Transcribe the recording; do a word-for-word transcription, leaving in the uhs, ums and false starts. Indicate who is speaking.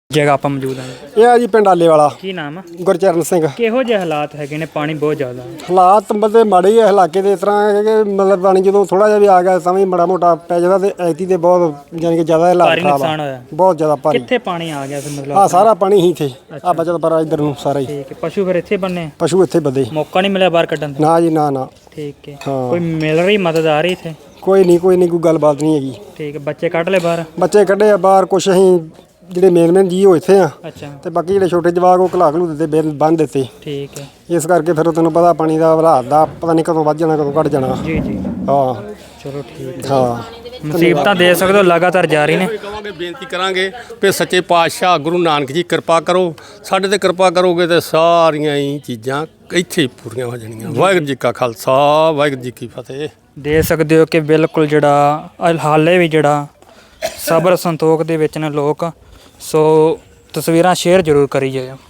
Speaker 1: ਜਗ੍ਹਾ ਆਪਾਂ ਮੌਜੂਦ ਹਾਂ।
Speaker 2: ਇਹ ਆ ਜੀ ਪਿੰਡ ਆਲੇ ਵਾਲਾ।
Speaker 1: ਕੀ ਨਾਮ ਆ?
Speaker 2: ਗੁਰਚਰਨ ਸਿੰਘ।
Speaker 1: ਕਿਹੋ ਜਿਹੇ ਹਾਲਾਤ ਹੈਗੇ ਨੇ? ਪਾਣੀ ਬਹੁਤ ਜ਼ਿਆਦਾ।
Speaker 2: ਹਾਲਾਤ ਮਤਲਬ ਮਾੜੇ ਹੀ ਆ ਇਲਾਕੇ ਦੇ। ਇਸ ਤਰ੍ਹਾਂ ਹੈ ਕਿ ਮਤਲਬ ਪਾਣੀ ਜਦੋਂ ਥੋੜਾ ਜਿਹਾ ਵੀ ਆ ਗਿਆ ਤਾਂ ਵੀ ਮਾੜਾ ਮੋਟਾ ਪੈ ਜਾਂਦਾ ਤੇ ਐਤੀ ਤੇ ਬਹੁਤ ਯਾਨੀ ਕਿ ਜ਼ਿਆਦਾ ਹਾਲਾਤ
Speaker 1: ਭਾਰੀ
Speaker 2: ਖਰਾਬ
Speaker 1: ਨੁਕਸਾਨ
Speaker 2: ਆ।
Speaker 1: ਹੋਇਆ।
Speaker 2: ਬਹੁਤ ਜ਼ਿਆਦਾ ਭਾਰੀ।
Speaker 1: ਕਿੱਥੇ ਪਾਣੀ ਆ ਗਿਆ ਸੀ ਮਤਲਬ?
Speaker 2: ਆ ਸਾਰਾ ਪਾਣੀ ਹੀ ਇੱਥੇ ਆ ਬਚਤ ਪਰ ਇੱਧਰ ਨੂੰ ਸਾਰਾ ਹੀ।
Speaker 1: ਠੀਕ ਹੈ। ਪਸ਼ੂ ਫਿਰ ਇੱਥੇ ਬੰਨੇ?
Speaker 2: ਪਸ਼ੂ ਇੱਥੇ ਬੱਦੇ।
Speaker 1: ਮੌਕਾ ਨਹੀਂ ਮਿਲਿਆ ਬਾਹਰ ਕੱਢਣ ਦਾ?
Speaker 2: ਨਾ ਜੀ ਨਾ ਨਾ।
Speaker 1: ਠੀਕ ਹੈ।
Speaker 2: ਹਾਂ।
Speaker 1: ਕੋਈ ਮਿਲ ਰਹੀ ਮਦਦ ਆ ਰਹੀ ਇੱਥੇ?
Speaker 2: ਕੋਈ ਨਹੀਂ ਕੋਈ ਨਹੀਂ ਕੋਈ ਗੱਲਬਾਤ ਨਹੀਂ ਹੈਗੀ।
Speaker 1: ਠੀਕ ਹੈ। ਬੱਚੇ ਕੱਢ ਲਏ ਬਾਹਰ?
Speaker 2: ਬੱਚੇ ਕੱਢੇ ਆ ਬਾਹਰ। ਕੁਛ ਅਸੀਂ ਜਿਹੜੇ ਮੇਨ ਮੇਨ ਜੀ ਉਹ ਇੱਥੇ ਆ
Speaker 1: ਅੱਛਾ।
Speaker 2: ਤੇ ਬਾਕੀ ਜਿਹੜੇ ਛੋਟੇ ਜਵਾਕ ਉਹ ਘਲਾ ਘਲੂ ਦਿੱਤੇ ਬਿਲ ਬੰਨ ਦਿੱਤੇ।
Speaker 1: ਠੀਕ ਹੈ।
Speaker 2: ਇਸ ਕਰਕੇ ਫਿਰ ਤੈਨੂੰ ਪਤਾ ਪਾਣੀ ਦਾ ਹਾਲਾਤ ਦਾ ਪਤਾ ਨਹੀਂ ਕਦੋਂ ਵੱਧ ਜਾਣਾ ਕਦੋਂ ਘਟ ਜਾਣਾ।
Speaker 1: ਜੀ ਜੀ।
Speaker 2: ਹਾਂ
Speaker 1: ਚਲੋ ਠੀਕ ਹੈ।
Speaker 2: ਹਾਂ
Speaker 1: ਮੁਸੀਬਤਾਂ ਦੇ ਸਕਦੇ ਹੋ ਲਗਾਤਾਰ ਜਾਰੀ ਨੇ।
Speaker 3: ਕਹਾਂਗੇ ਬੇਨਤੀ ਕਰਾਂਗੇ ਵੀ ਸੱਚੇ ਪਾਤਸ਼ਾਹ ਗੁਰੂ ਨਾਨਕ ਜੀ ਕਿਰਪਾ ਕਰੋ ਸਾਡੇ ਤੇ ਕਿਰਪਾ ਕਰੋਗੇ ਤੇ ਸਾਰੀਆਂ ਹੀ ਚੀਜ਼ਾਂ ਇੱਥੇ ਹੀ ਪੂਰੀਆਂ ਹੋ ਜਾਣੀਆਂ। ਵਾਹਿਗੁਰੂ ਜੀ ਕਾ ਖਾਲਸਾ ਵਾਹਿਗੁਰੂ ਜੀ ਕੀ ਫਤਿਹ।
Speaker 1: ਦੇ ਸਕਦੇ ਹੋ ਕਿ ਬਿਲਕੁਲ ਜਿਹੜਾ ਹਾਲੇ ਵੀ ਜਿਹੜਾ ਸਬਰ ਸੰਤੋਖ ਦੇ ਵਿੱਚ ਨੇ ਲੋਕ। ਸੋ ਤਸਵੀਰਾਂ ਸ਼ੇਅਰ ਜ਼ਰੂਰ ਕਰੀ ਜਾਇਓ।